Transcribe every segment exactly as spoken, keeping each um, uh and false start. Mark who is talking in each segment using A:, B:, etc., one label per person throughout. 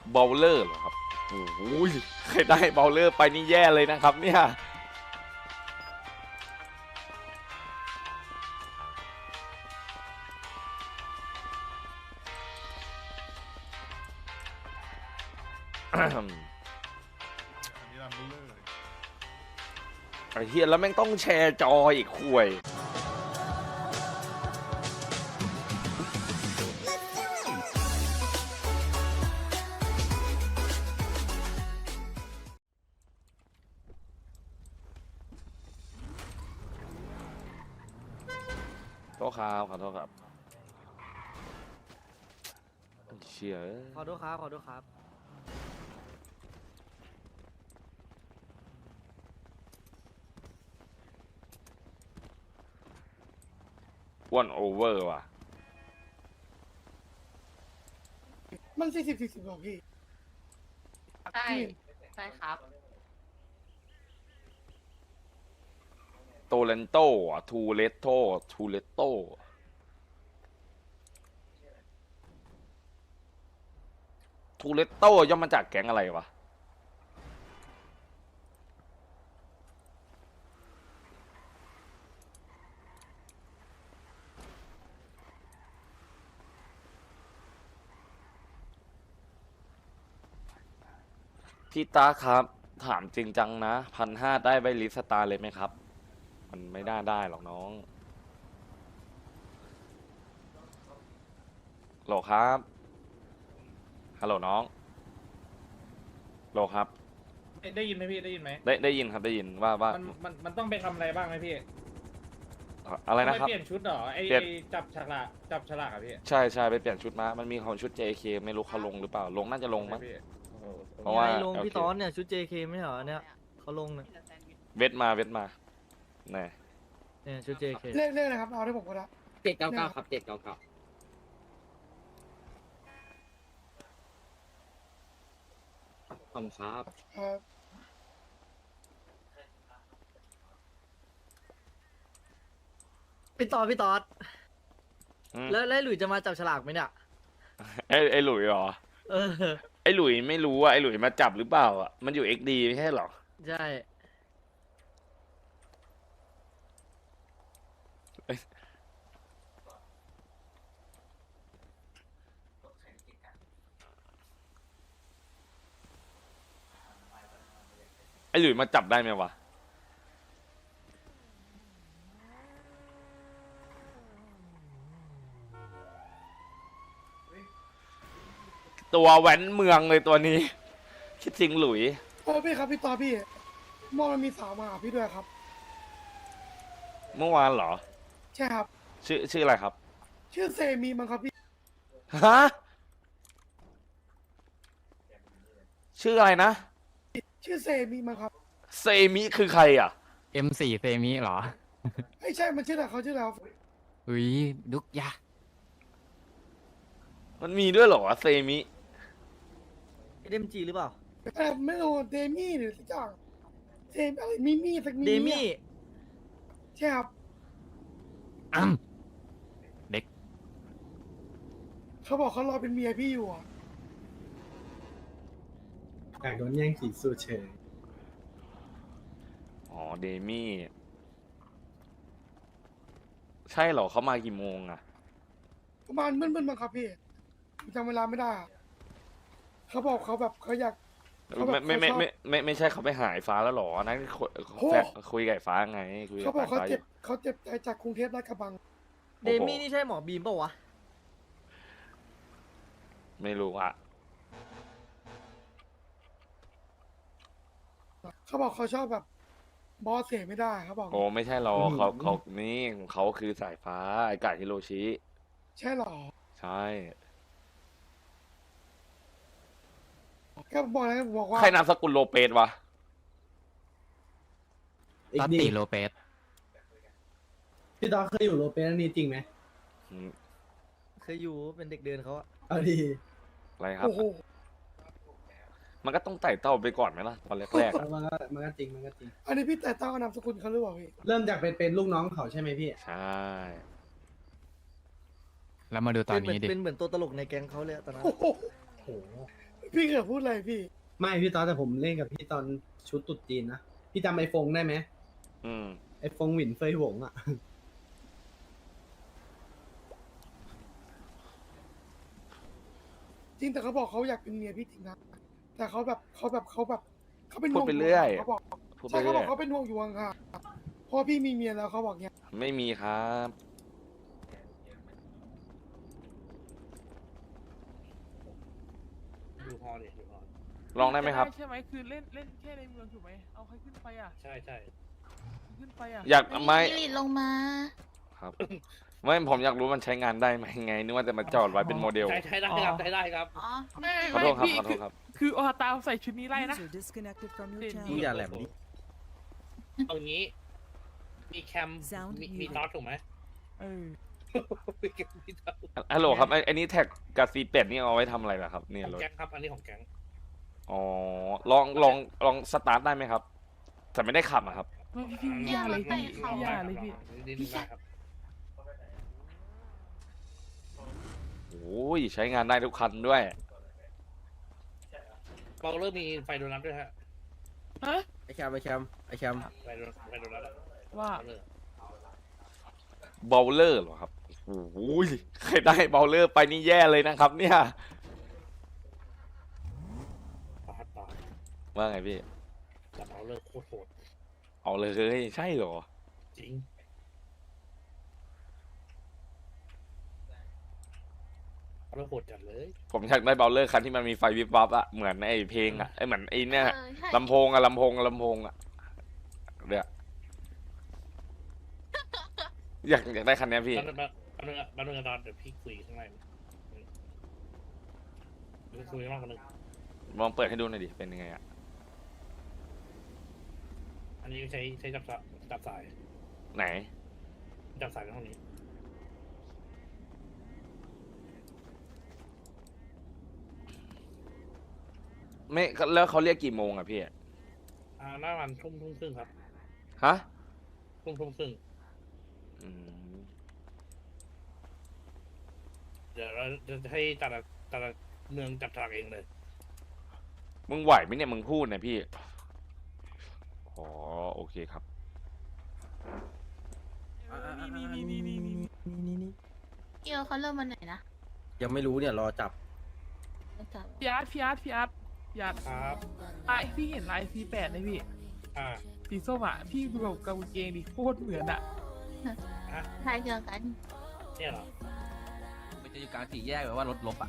A: บอลเลอร์เหรอครับโอ้โหใครได้บอลเลอร์ไปนี่แย่เลยนะครับเนี่ยไอ้เฮียแล้วแม่งต้องแชร์จออีกคุยโทษครับขอโทษครับเชี่ย
B: ขอโทษครับขอโทษครับ
A: อ้วนโอเวอร์ว่ะ
C: มันสี่สิบสี่สิบหรอพี่
D: ใช่ใช่ครับ
A: โตเลนโตอ่ะทูเลตโตทูเลตโตทูเลตโตย่อมมาจากแก๊งอะไรวะพี่ตาครับ ถามจริงจังนะพันห้าได้ใบลิสตาร์เลยไหมครับ มันไม่ได้ได้หรอกน้องโหลครับฮัลโหลน้องโหลครับ
E: ได้ยินไหมพี่ได้ยินไหม
A: ได้ได้ยินครับได้ยินว่าว่า
E: มันมันมันต้องไปทำอะไรบ้างไหมพี่
A: อะไร
E: ต้อง
A: นะ
E: ไป
A: ครับ
E: เปลี่ยนชุดเหรอไอ
A: เปลี่ยน
E: ไอจับฉลากจับฉลากอะพี่
A: ใช่ใช่ไปเปลี่ยนชุดมามันมีของชุด เจ เค ไม่รู้เขาลงหรือเปล่าลงน่าจะลงมั้ง
E: ใช่พี่โอ้โห
A: เพราะว่า
B: ไงลง
A: โอเค
B: พี่ตอนเนี่ยชุด เจ เค ไม่เหรอเนี่ยเขาลงเนี่ย
A: เวทมาเวทมาแน่
B: เนี่ยชุด เจ เค
C: เลขเลขอะไรครับ เอาได้ผมก็ได้
D: เจ็ดเก้าเก้าครับเจ็ดเก้าเก้า ขอบคุณครับ
C: เออ
B: พี่ตอนพี่ตอน
A: อืม
B: แล้วแล้วหลุยจะมาจับฉลากไหมเนี่ย
A: ไอ้ไอ้หลุยเหรอ
B: เออ
A: ไอ้หลุยไม่รู้อ่ะไอ้หลุยมาจับหรือเปล่าอ่ะมันอยู่เอ็กดีไม่ใช่เหรอ
B: ใช่
A: ไอ้หลุยมาจับได้ไหมวะตัวแว้นเมืองเลยตัวนี้ คิดจริงหลุย
C: เออพี่ครับพี่ต่อพี่มองมันมีสาวมาหาพี่ด้วยครับ
A: เมื่อวานเหรอ
C: ใช่ครับ
A: ชื่อชื่ออะไรครับ
C: ชื่อเซมีมั้งครับพี่
A: ฮะชื่ออะไรนะ
C: ชื่อเซมีมั้งครับ
A: เซมิคือใครอ่ะ
F: เอ็ม สี่ เซมิเหรอ
C: ไม่ใช่มันชื่ออะไรเขาชื่ออะไรครับ
F: อุ้ยดุกยะ
A: มันมีด้วยเหรอวะเซมิ
B: เดมจีหรือเปล่า
C: แต่ไม่รู้เดมี่หรือสักอย่างเซมอะไรมิมี่สักมิ
B: เดมี่
C: ใช่ครับ
F: อ้ำเด็ก
C: เขาบอกเขารอเป็นเมียพี่อยู่อ่ะ
G: อยากโดนแย่งขีดสูเฉย
A: อ๋อเดมี่ใช่เหรอเขามากี่โมงอะ
C: ประมาณมึนๆมั้งครับพี่ผมจำเวลาไม่ได้อะเขาบอกเขาแบบเขาอยาก เขาแบบ
A: ไม่ไม่ไม่
C: เขาชอบ
A: ไม่ไม่ไม่ใช่เขาไปหายฟ้าแล้วเหรออันนั้นคุย
C: โอ้
A: แฟนคุยกับไอ้ฟ้าไงคุยกั
C: เขา
A: บ
C: บอกเขา
A: ฟ้าอ
C: เจ็บ
A: ยู่
C: เขาเจ็บใจจากกรุงเทพลาดกระบัง
B: เดมี่นี่ใช่หมอบีมเปล่าวะ
A: ไม่รู้อะ
C: เขาบอกเขาชอบแบบบอสเสียไม่ได้เขาบอก
A: โอ้ไม่ใช่หรอกเขาเขานี่เขาคือสายฟ้าไอ้กาฮิโรชิ
C: ใช่หรอ
A: ใช่
C: ก็บอกแล้วบอกว่า
A: ใครนามสกุลโลเปสวะ
G: อีก
F: ตัต
G: นี่
F: ติโลเปส
G: พี่ตอนเคยอยู่โรเปนอันนี้จริงไหม
A: อืม
B: เคยอยู่เป็นเด็กเดินเขาอะ
G: เอาดี
A: อะไรครับ
C: โอ้โห
A: มันก็ต้องไต่เต้าไปก่อนไหมล่ะตอนแรกๆอะ
G: มันก็มันก็จริงมันก็จริง
C: อันนี้พี่แต่ตั้งนามสกุลเขาหรือเปล่าพี่
G: เริ่มจากเป็นเป็นลูกน้องเขาใช่ไหมพี่
A: ใช่
F: แล้วมาดูตอน
B: เป็นเหมือน
F: นี้ดิ
B: เป็นเหมือนตัวตลกในแก๊งเขาเลยอะตอนนั้น
C: โอ้โห
G: โห
C: พี่เกิดพูดอะไรพี่
G: ไม่พี่ตอนแต่ผมเล่นกับพี่ตอนชุดตรุ๊จีนนะ พี่จำไอฟงได้ไหม
A: อืม
G: ไอฟงหวินเฟยหวงอ่ะ
C: จริงแต่เขาบอกเขาอยากเป็นเมียพี่จริงนะแต่เขาแบบเขาแบบเขาแบบเขาเป็น
A: พูด
C: ห่วง
A: ไปเรื่อย
C: เขาบอก
A: พูดไป
C: ใช่เขาบ
A: เรื่
C: อ
A: อก ย
C: เขาเป็นห่วงอยู่ค่ะเพราะพี่มีเมียแล้วเขาบอกเนี้ย
A: ไม่มีครับ
E: ดูพอดิดูพอ
A: ลองได้ไหมครับ
H: ใช่ไหมคือเล่นเล่นแค่ในเมืองถูกไหมเอาใครขึ้นไปอ่ะ
E: ใช่ใช่
H: ขึ้นไปอ่ะ
A: อยากไม่
I: ลิลิลงมา
A: ครับ ไม่ผมอยากรู้มันใช้งานได้ไหมไงนึกว่าจะมาจอดไว้เป็นโมเดล
E: ใช้ใช้ได้ครับใช้ได้ครับ
I: อ๋อ
H: ไม่
A: ขอโทษครับ
H: พี่
A: ขอโทษครับ
H: คือออตาใส่ชุดนี้ไล่นะ
B: มึงอย่าแหลมดิ
E: เอางี้ มีแคม มีมีน็อตถูกไหม
H: เออ
E: มีแคมมีน็อต
A: ฮัลโหลครับไอ้ไอ้นี่แท็กกับซีเป็ดนี่เอาไว้ทำอะไรล่ะครับเนี่ย
E: ของ
A: รถ
E: แก๊งครับ อันนี้ของแก๊ง
A: อ๋อ ลองลองลองสตาร์ทได้ไหมครับ แต่ไม่ได้ขับอะครับ
H: ไม่พี่อย่าเลยพี่อย่าเลยพี่
E: นี่ได้ครับ
A: โอ้ยใช้งานได้ทุกคันด้วย
E: เราเริ่มมีไฟโดนัทด้วยฮะ
H: ฮะ
B: ไอแคมไอแคมไอแคม
E: ไฟโดนัทไฟโดนัทอะ
H: ว่า
E: เอาเลย
A: เบลเลอร์เหรอครับโอ้ยใครได้เบลเลอร์ไปนี่แย่เลยนะครับ เนี่ย
E: ปาดปาด
A: ว่าไงพี่
E: จับเอาเลิกโคตรโหด
A: เอาเลยใช่เหรอ
E: จริงเอาเลิกโหดจัดเลย
A: ผมอยากได้เบลเลอร์คันที่มันมีไฟวิบวับอะเหมือนไอ้เพลงอะไอ้เหมือนไอ้เนี่ย
I: เออใช่
A: ลำโพงอะลำโพงอะลำโพงอะเนี่ยอยากอยากได้คันเนี้ยพี่
E: แป๊บนึงแป๊บนึงแป๊บนึงตอนเดี๋ยวพี่คุยข้างในเดี๋ยวคุยมากกว่านึง
A: ลองเปิดให้ดูหน่อยดิ เป็นยังไงอะ
E: อันนี้ใช้ใช้จับสายจับสาย
A: ไหน
E: จับสายในห้องนี้
A: ไม่แล้วเขาเรียกกี่โมงอะพี่
E: อ่าหน้าวันทุ่มทุ่มครึ่งครับ
A: ฮะ
E: ทุ่มทุ่มครึ่ง
A: อืม
E: เดี๋ยวเราจะให้แต่ละแต่ละเมืองจับฉลากเองเลย
A: มึงไหวไหมเนี่ยมึงพูดเนี่ยพี่ อ๋อโอเคครับ
H: นี่นี่นี่นี่นี่
B: นี่นี่
I: เอียวเขาเริ่มวันไหนนะ
B: ยังไม่รู้เนี่ยรอจับ
I: รู้จัก
H: พี่อาร์ตพี่อาร์ตพี่อาร์ตพี่อาร์ต
E: ครับ
H: ไอพี่เห็นลายซีแปดไหมพี่
E: อ่า
H: สีส้มอ่ะพี่ดูแบบกางเกงดิโคตรเหมือนอ่ะ
I: ทายเดียวกัน
E: เนี่ยเหรอ
F: มันจะอยู่กลางสี่แยกแบบว่ารถลบอ่ะ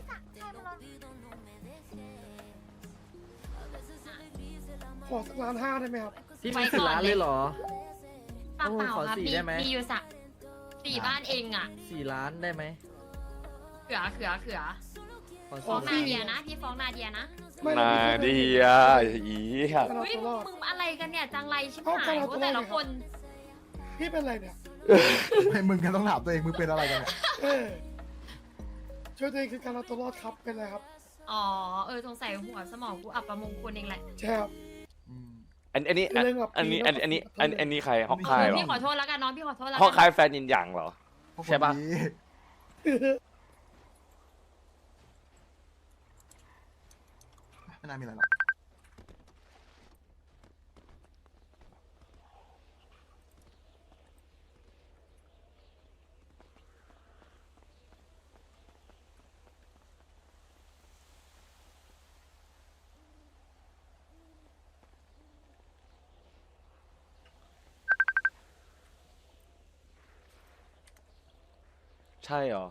C: ขอสักล้านห้าได้ไหมครับ
B: พี่มีสิบล้านเลยเหรอ
I: เปล่า
B: โอ้
I: เปล่า
B: ขอ
I: ครับ
B: สี่
I: มี
B: ได้ไหม
I: มีอยู่สักสี่บ้านเองอ่ะ
B: สี่ล้านได้ไหม
I: เขือเขือเขือ
B: ขอ
I: ฟ้อง
B: สี่
I: นาเดียนะ พี่ฟ้องนาเดียนะ
C: ไม่
A: นา
C: ไม่ไม่
A: เดียอีอะ
C: การเอา
I: เฮ้ย
C: ตัวรอด
I: มึงอะไรกันเนี่ย จังไรชิบ
C: เอา
I: หาย
C: การเอา
I: พว
C: ตั
I: ก
C: วรอด
I: แต่ละ
C: เลยครับ
I: คน
C: พี่เป็นอะไรเนี่ย
J: ไม่มึงกันต้องถามตัวเอง มึงเป็นอะไรกันเนี่ย
C: เออช่วยตัวเองคือการเอาตัวรอดครับเป็นอะไรครับ
I: อ๋อ เออสงสัยหัวสมองกูอับประมงคลเองแหละ
C: ใช่ครับ
A: อันอันนี้อัน
C: เรื่องแบบ
A: อันนี้อันอันนี้
C: ปีน
A: อันอันนี้ใครฮอกคายเหรอ
I: พี่ขอโทษแล้วกันน้องพี่ขอโทษแล้ว
A: ฮอก
I: กั
A: คายแฟนยินหยางเหรอ
J: พวกคน
A: ใช่ปะ
J: ดีไม่น่ามีอะไรหรอก
A: ใช่เหรอ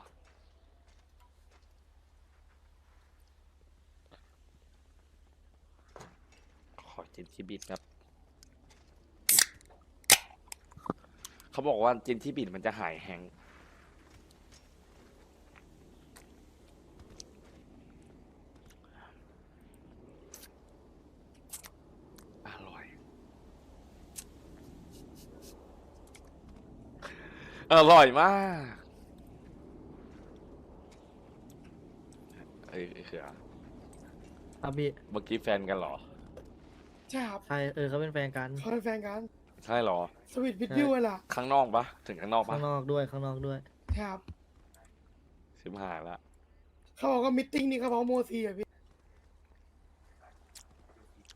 A: ขอจินที่บิดครับ เขาบอกว่าจินที่บิดมันจะหายแฮงก์อร่อย อร่อยมาก เอ้ยไอ้เขือ
B: ครับพี่
A: เมื่อกี้แฟนกันเหรอ
C: ใช่ครับ
B: ใช่เออเขาเป็นแฟนกัน
C: เขาเป็นแฟนกัน
A: ใช่เหรอ
C: สวีทวิดดิวเลยล่ะ
A: ข้างนอกปะถึงข้างนอกปะ
B: ข้างนอกด้วยข้างนอกด้วย
C: ใช่ครับ
A: ชิบหายละ
C: เขาบอกว่ามิทติ้งนี่เขาบอกโมซีอ่ะพี่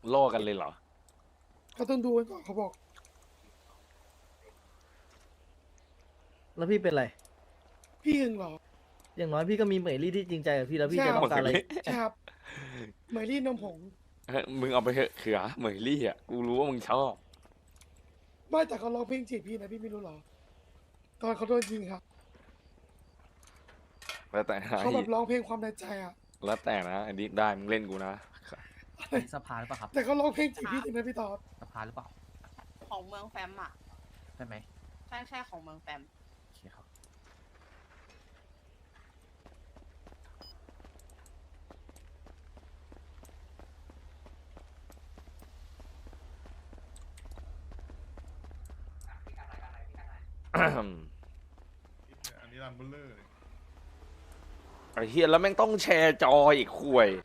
A: ล่อกันเลยเหรอ
C: เขาต้องดูกันก่อนเขาบอก
B: แล้วพี่เป็นไร
C: พี่หึงเหรอ
B: อย่างน้อยพี่ก็มีเหมยลี่ที่จริงใจกับพี่แล้วพี่
C: ใช่
B: จะต้องการอะไร
C: ใช่ครับเหมยลี่นมผง
A: เฮ้ยมึงเอาไปเถอะเขือเหมยลี่อ่ะกูรู้ว่ามึงชอบ
C: ไม่แต่เขาร้องเพลงจีบพี่นะพี่ไม่รู้เหรอ ตอนเขาโดนยิงครับ
A: แล้วแต่นะ
C: เขาแบบร้องเพลงความในใจอ่ะ
A: แล้วแต่นะอันนี้ได้มึงเล่นกูนะ
F: อันนี้สภาหรือเปล่าครับ
C: แต่เขาร้องเพลงจีบพี่จริงนะพี่ตอบ
F: สภาหรือเปล่า
D: ของเมืองแฟมอ่ะ
F: ใช่ไหม
D: ใช่ใช่ของเมืองแฟม
F: โอเคครับ
J: อันนี้รันเบลเลอร์
A: ไอ้เฮียแล้วแม่งต้องแชร์จออีกคุย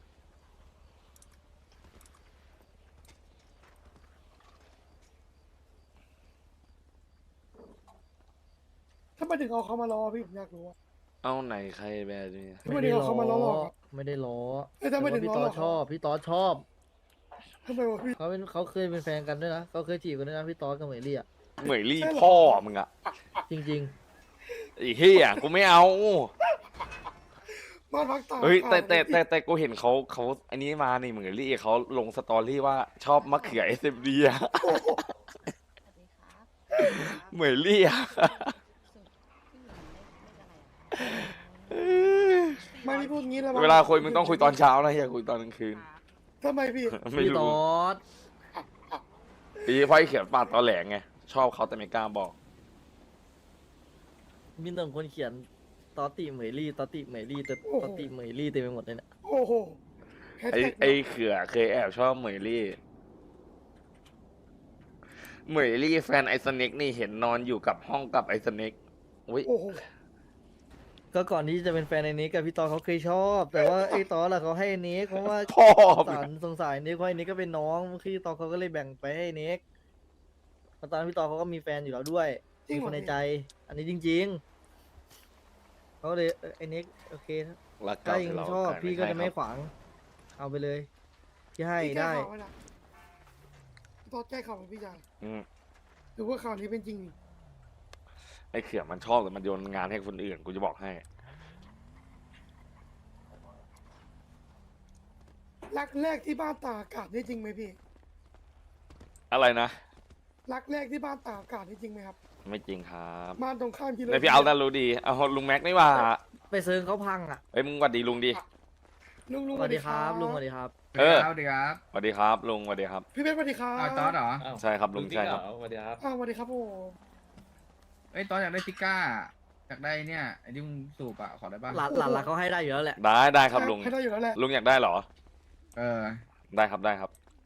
C: ถ้ามาถึงเอาเขามารอพี่ผมอยากรู้อะ
A: เอาไหนใครแบบนี้
C: ทำไมถึงเอาเขามาล้อหลอกอะ
B: ไม่ได้ล้อ
C: เอ้ยทำไมถึง
B: พี่
C: ล้
B: ต
C: อ
B: อ
C: หลอก
B: ชอบ พี่ตอชอบ
C: ทำไมวะพี่
B: เขาเป็นเขาเคยเป็นแฟนกันด้วยนะเขาเคยจีบกันด้วยนะพี่ตอกับเหมยลี่อ่ะ
A: เหมยลี่พ่อมึงอะ
B: จริง
A: ไอ้เฮียกูไม่เอา
C: บ้านพักตาก
A: เฮ้ยแต่
C: อากาศ
A: แต่แต่
C: พี่
A: แต่กูเห็นเขาเขาอันนี้มานี่เหมือนลี่เขาลงสตอรี่ว่าชอบมะเขือเอสเอ็มดีอะ
I: สวัสดีครับ
A: เหมือนลี่อะ
C: ไม่พี่พูดงี้แล้ว
A: เวลาคุยมึงต้องคุยตอนเช้านะอย่าคุยตอนกลางคืน
C: ทำไมพี่
B: ๆ
A: ไม่
B: พี่ต
A: รู้
B: อด
A: ปีเพราะไอ้เขียนปาดตอแหลงไงชอบเขาแต่ไม่กล้าบอก
B: มีแต่คนเขียนตอติเหมยลี่ตอติเหมยลี่แต่ตอติเหมยลี่เต็มไปหมดเลยเนี่ย
C: โอ้โหแฮช
A: ไอ้
C: แท็ก
A: ไอ้เขือเคยแอบชอบเหมยลี่เหมยลี่แฟนไอสเน็กนี่เห็นนอนอยู่กับห้องกับไอสเน็กอุ้ย
C: โอ้โห
B: ก็ก่อนที่จะเป็นแฟนไอ้นิกกับพี่ตอเขาเคยชอบ แต่ว่าไอ้ตอล่ะเขาให้ไอ้นิกเพราะว่า
A: พ่อ
B: สารสงสารนิกเพราะไอ้นิกก็เป็นน้องพี่ตอเขาก็เลยแบ่งไปให้นิกแล้วตอนนั้นพี่ตอเขาก็มีแฟนอยู่แล้วด้วย
C: จริง
B: มี
C: เหร
B: ค
C: อน
B: ใน
C: พี่
B: ใจ อันนี้จริงๆเขาเลยเออไอ้นิกโอเค
A: รัก
B: ถ้า
A: เก่า
B: ยัง
A: ที่เรา
B: ชอบ
A: ขาย
B: พี่ก็จะ
A: ใช่
B: ไม่
A: ครับ
B: ขวาง เอาไปเลยพี่ให้
C: พี่แก้
B: ได้
C: ข่าวไว้นะตอนแก้ข่าวไหมพี่ชาย
A: อืม
C: หรือว่าข่าวนี้เป็นจริงนี่
A: ไอ้เขือมันชอบแต่มันโยนงานให้คนอื่นกูจะบอกให้
C: รักแรกที่บ้านตากอากาศนี่จริงไหมพี่
A: อะไรนะ
C: รักแรกที่บ้านตากอากาศนี่จริงไหมครับ
A: ไม่จริงครับ
C: บ้านตรงข้ามที่
A: ในพี่เอาแต่รู้ดีเอาลุงแม็กไม่ว่า
B: ไปเซิร์งเขาพังอ่ะ
A: เอ้ยมึงหวัดดีลุงดี
C: ลุงลุง
B: สวัสดีครับลุงสวัสดีครับ
A: เออ
F: สวัสดีครับ
A: สวัสดีครับลุงสวัสดีครับ
C: พี่เบสสวัสดีครับ
F: อ้าวตอสเหรอ
A: ใช่ครับลุงใช่ครับ
E: สวัสดีครับ
C: อ้าวสวัสดีครับโอ้
F: เอ้ยตอสอยากได้ซิก้า อยากได้เนี่ยไอ้ที่มึงสูบอะขอได้ป่ะ
B: หลานหลานหลานเขาให้ได้อยู่แล้วแหละ
A: ได้ได้ครับลุง
C: ให้ได้อยู่แล้วแหละ
A: ลุงอยากได้เหรอ
F: เออ
A: ได้ครับได้ครับ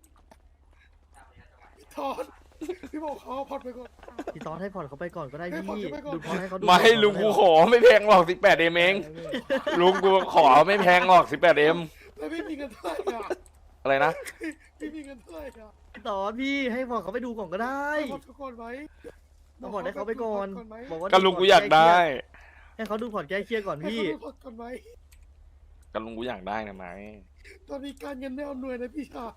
C: ทอดพี่บอกเขาเอาพอดไปก่อน
B: พี่ตอนให้ผ่อนเขาไปก่อนก็ได้
C: ให้
B: พี่
C: ผ่อนเขาไปก่อน
B: ดูผ่อนให้เขาดู
A: ไม่
B: ก่อน
A: ลุงกูขอไม่แพงหรอกสิบแปดเอ็มเองลุงกูขอไม่แพงหรอกสิบแปดเอ็ม
C: แล้วพี่มีเงินเท่าไหร่อะ
A: อะไรนะ
C: พี่มีเงินเท่าไหร่อะ
B: พี่ตอนพี่ให้ผ่อนเขาไปดูก่อนก็ได้
C: ให้พอดทุกคนไว้
B: ต้องผ่อนให้เขาไปก่อน
C: บไหม
B: บอกว่า
A: ก็ลุงกูอยากได้
B: ให้เขาดูผ่อนแก้เครียดก่อน
C: ให้
B: พี่
C: เขาดูพอดก่อนไหม
A: ก็ลุงกูอยากได้นะไหม
C: ตอนนี้การเงินไม่เอาหน่วยนะพี่ชาย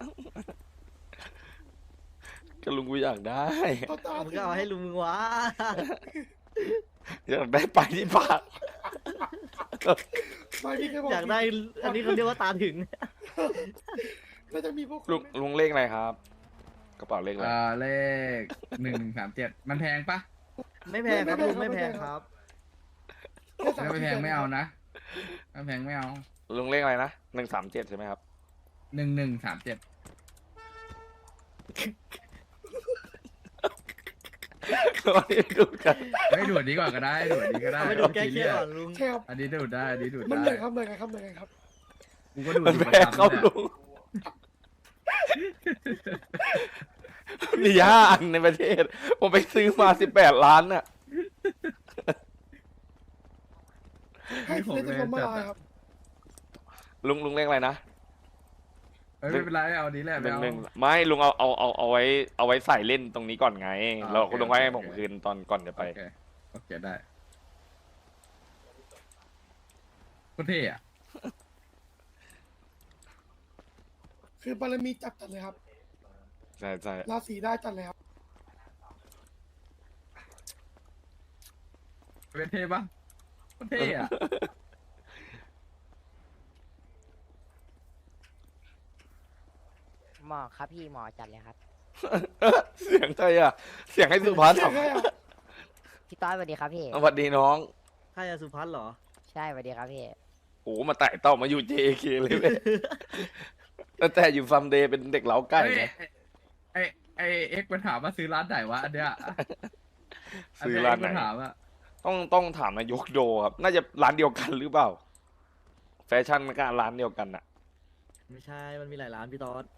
A: ก็ลุงกูอยากได้
C: เขาตา
B: มึง
C: ถึ
B: ก็
C: ง
B: เอาให้ลุงมึงวะ
A: อยากได้ไปที่ปาก
C: ไม่พี่เคยบอก
B: อยากได้ อันนี้เขาเรียกว่าตาถึง
C: น่าจะมีพวกคน
A: ลุง
C: ไหม
A: ลุงเลขอะไรครับ กระเป๋าเลขอะไร
F: เออเลขหนึ่งหนึ่งสามเจ็ดมันแพงปะ
B: ไม่แพงครับลุงไม่แพงครับ
C: แค่สา
F: ไม่แพงไม่เอานะไม่แพงไม่เอา
A: ลุงเลขอะไรนะหนึ่งสามเจ็ดใช่ไหมครับ
F: หนึ่งหนึ่งสามเจ็ด
A: วันนี้ดูกัน
F: เฮ้ยดูดดีกว่าก็ได้ดูดดีก็ได้
B: เอาไปดูแก้เครียดก่อนลุง
C: ใช่ครับ
F: อันนี้ดูดได้อันนี้ดูด
C: มัน
F: ได้
C: เหนื่อยครับเหนื่อยไงครับเหนื่อยไงครับ
F: กูก็ดูด
A: มัน
F: อยู่
A: แพ
F: ประ
A: ง
F: จำ
A: เขา
F: เนี่ย
A: ลุงมีห้าอันในประเทศ ผมไปซื้อมาสิบแปดล้านน่ะ
C: ให้เล่นจะลมละลายครับ
A: ลุงลุงเลขอะไรนะ
F: เฮ้ยไม่เป็นไรเอาอันนี้แหละ
A: ห
F: ไม่
A: นึ่ง
F: เอา
A: หนึ่งไม่ลุงเอาเอาเอาเอาไว้เอาไว้ใส่เล่นตรงนี้ก่อนไง
F: อ่า
A: เรา
F: โอเค
A: ลุงไว้ให้
F: โอเค
A: ผมคืนตอนก่อนจะไป
F: โอเคโอเคได้โคตรเท่อะ
C: คือบารมีจับจัดเลยครับ
A: ใช่ใช่
C: ราศีได้จัดแล้ว
F: เป็นเท่ปะเท่อะ
K: หมอครับพี่หมอจัดเลยครับ
A: เสียงใครอ่ะ เสียงให้สุพัฒน์
C: เสียงใครอะ
K: พี่ต้อยสวัสดีครับพี่
A: สวัสดีน้อง
B: ใครอะสุพัฒน์เหรอ
K: ใช่สวัสดีครับพี่
A: โอ้มาไต่เต้ามาอยู่ เจ เค เลยเว้ยตั้งแต่อยู่ซัมเดย์เป็นเด็กเล้าไก่
F: เฮ้ย
A: ไง
F: ไอไอเอ็กซ์มันถามว่าซื้อร้านไหนวะอันเนี้ย
A: ซื้อร้านไหน
F: เย X มัถามอะ
A: ต้องต้องถามนายกโดครับ น่าจะร้านเดียวกันหรือเปล่า แฟชั่นมันก็ร้านเดียวกันอะ
B: ไม่ใช่ มันมีหลายร้านพี่ตอด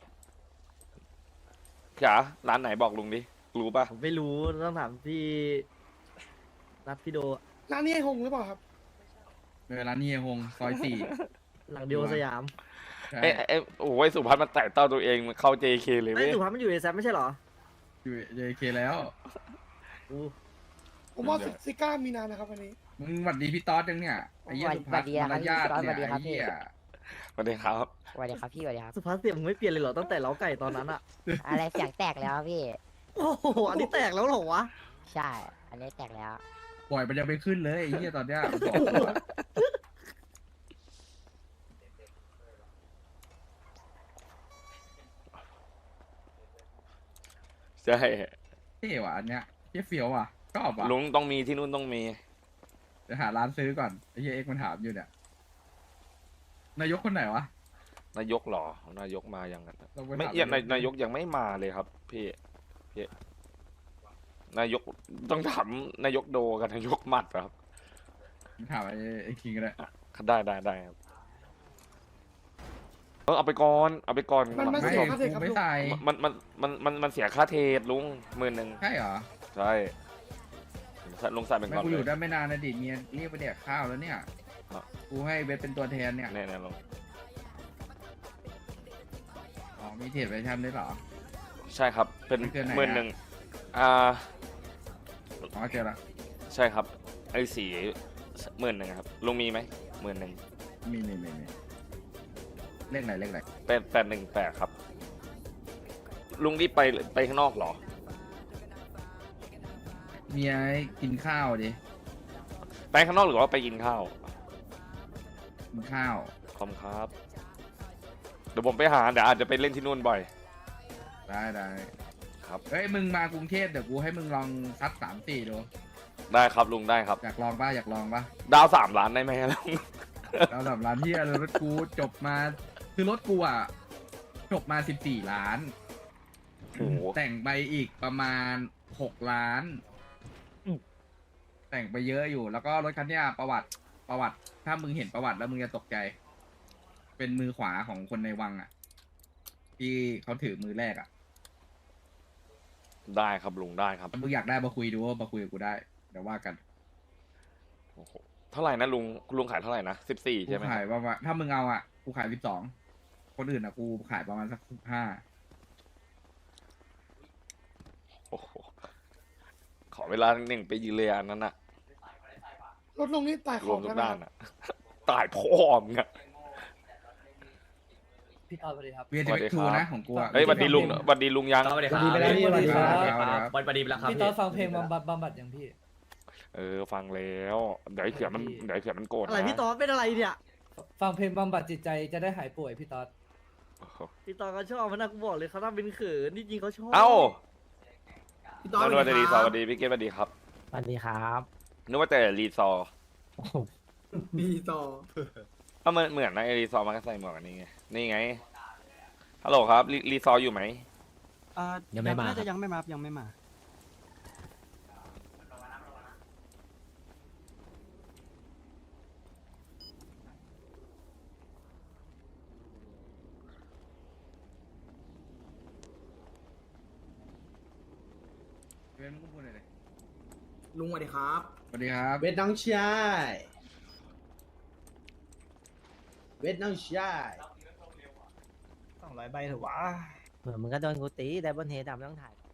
A: จ๋าร้านไหนบอกลุงดิ รู้ป่ะ
B: ผมไม่รู้ต้องถามพี่นัดพี่โด
C: ร้านนี้ไอ้หงหรือเปล่าครับ
F: เออร้านนี้ฮงซอยสี่
B: หลังเดียวสยาม
F: ใช่
A: เอ้ยเอ้ยโอ้ยสุพัฒน์มันไต่เต้าตัวเองมันเข้า เจ เค เลย
B: ไอ้
A: เว้ย
B: สุพัฒน์มันอยู่เอแซไม่ใช่เหรอ
F: อยู่เจเคแล้ว
B: อู้
C: ผมว่าซิก้ามีนานนะครับวันนี้
F: มึงหวัดดีพี่ต๊อดยังเนี่ยไอ้เหี้ย
K: หวัด
F: สุภัส
K: หวัดดีครับ
F: มารยาท
K: พี่ต๊อดหวัดดี
F: เนี่ย
K: ครับ
F: ไอ้เหี้ย
A: สวัสดีครับ
K: สวัสดีครับพี่สวัสดีครับ
B: สุพัฒน์เสียงมึงไม่เปลี่ยนเลยเหรอตั้งแต่เล้าไก่ตอนนั้นอะ
K: อะไรเสียงแตกแล้วพี่
B: โอ้โหอันนี้แตกแล้วเหรอวะ
K: ใช่ อันนี้แตกแล้ว
F: ปล่อยมันยังไม่ขึ้นเลยไอ้เหี้ยตอนเนี้ยมันบอกกูอะ
A: ใช่
F: เท่ว่ะอันเนี้ยเหี้ยเฟี้ยวว่ะชอบว่ะ
A: ลุงต้องมีที่นู่นต้องมี
F: เดี๋ยวหาร้านซื้อก่อนไอ้เหี้ยเอ็กซ์มันถามอยู่เนี่ยนายกคนไหนวะ
A: นายกเหรอ นายกมายังกัน
F: ต้องป
A: ไม่
F: ถา
A: ยังนายนายกยังไม่มาเลยครับ พี่พี่นายกต้องถามนายกโดกับนายกหมัดครับ
F: ถามไอ้ไอ้คิงก็ได้
A: ได้ได้ได้ครับเออเอาไปก่อนเอาไปก่อน
C: มันมัน
F: ไม่
C: เสียค่าเท
F: กู
C: ครับ
F: ไม่
C: ลุง
F: ใส่
A: มันมันมันมันมันเสียค่าเทรดลุงหมื่นหนึ่ง
F: ใช่เหรอ
A: ใช่ลุงใส่เป็น
F: ไม่
A: ก่อน
F: กู
A: เล
F: อย ยู่ได้ไม่นานนะดิเมียเรียกไปแดกข้าวแล้วเนี่ย
A: ครับ
F: กูให้เวทเป็นตัวแทนเนี่ย
A: แน่ๆลุง
F: อ๋อมีเทรดไวชั่นด้วยเหรอ
A: ใช่ครับ เป็น
F: ไม่เกินไหนอะ
A: หมื่นหนึ่งอ่า
F: อ๋อเจอละ
A: ใช่ครับ ไอ้สีหมื่นหนึ่งครับลุงมีไหมหมื่นหนึ่ง
F: มีมีมีมีเลขไหนเลขไหน
A: แปดแปดหนึ่งแปดครับ ลุงรีบไปไปข้างนอกเหรอ
F: เมียให้กินข้าวดิ
A: ไปข้างนอกหรือว่าไปกินข้าว
F: กินข้าว
A: ขอบคุณครับ เดี๋ยวผมไปหาเดี๋ยวอาจจะไปเล่นที่นู่นบ่อย
F: ได้ได้
A: ครับ
F: เฮ้ยมึงมากรุงเทพเดี๋ยวกูให้มึงลองซัดสามสี่ดู
A: ได้ครับลุงได้ครับ
F: อยากลองป่ะอยากลองป่ะ
A: ดาวสามล้านได้ไหมลุง
F: เราแบบร้านที่รถกูจบมาคือรถกูอ่ะจบมาสิบสี่ล้าน
A: โอ้โห
F: แต่งไปอีกประมาณหกล้าน แต่งไปเยอะอยู่ แล้วก็รถคันเนี้ยประวัติประวัติ ถ้ามึงเห็นประวัติแล้วมึงจะตกใจ เป็นมือขวาของคนในวังอ่ะ ที่เขาถือมือแรกอ่ะ
A: ได้ครับลุงได้ครับ
F: ถ้ามึงอยากได้มาคุยดูมาคุยกับกูได้ เดี๋ยวว่ากัน
A: โอ้โหเท่าไหร่นะลุงลุงขายเท่าไหร่นะสิบสี่
F: กู
A: ใช่ไหมค
F: ขาย
A: รับ
F: ประมาณถ้ามึงเอาอ่ะ กูขายสิบสอง คนอื่นอ่ะ กูขายประมาณสักสิบห้า
A: โอ้โหขอเวลาหนึ่งไปยืนเลยอันนั้นอะ
C: รถลงนี่ตายข
A: รว
C: อ
A: ม
C: ง
A: ทุ
C: แล้ว
A: ก
C: นะ
A: ด้า
C: คน รับ
A: อะตายพ่อมึงอะ
B: พี่ตอดสวัสดีครับ
F: เวีย
A: ส
F: ที
A: วัส
F: เว
A: ดี
F: ทู
A: ครับ
F: นะของกูอ่ะ
A: เฮ้ยหวันดีลุงหวันดีลุงยัง
G: สวัสดีไปแล้วพี่สวัสดีครับ
F: วันวันดีไปแล้วครับ
B: พี่ตอดฟังเพลงบำบัดบำบัดอย่างพี่
A: เออฟังแล้วเดี๋ยวไอ้เขือนมันเดี๋ยวไอ้เขือนมันโกรธ
B: อะไร
A: นะ
B: พี่ตอดเป็นอะไรเนี่ย
H: ฟังเพลงบำบัดจิตใจจะได้หายป่วยพี่ต๊อด
A: โอ้โห
B: พี่ตอดเขาชอบมันนะกูบอกเลยเขาทำเป็นเขินที่จริงเขาชอบ
A: เอ้า
G: พี่ต้อ
A: สวัสดีสวัสดีพี่เกศสวัสดีครับ
K: สวัสดีครับ
A: นึกว่าแต่รีซอร์
G: พี่ต่อ
A: เอ้ามันเหมือนนะไอรีซอร์มันก็ใส่หมวกอันนี้ไงนี่ไงฮัลโหลครับรีรีซอร์อยู่ไหม
K: ยังไม่มา
B: น่าจะยังไม่มายังไม่มา
F: เว้นมึงก็พูดเลยดิ
G: ลุงสวัสดีครับ
F: สวัสดีครับ
G: เวทน้องชายเวทน้องชาย
B: สองร้อยใบเถอะวะ
K: เผื่อมึงก็โดนกูตีแต่บนเฮดำต้องถ่าย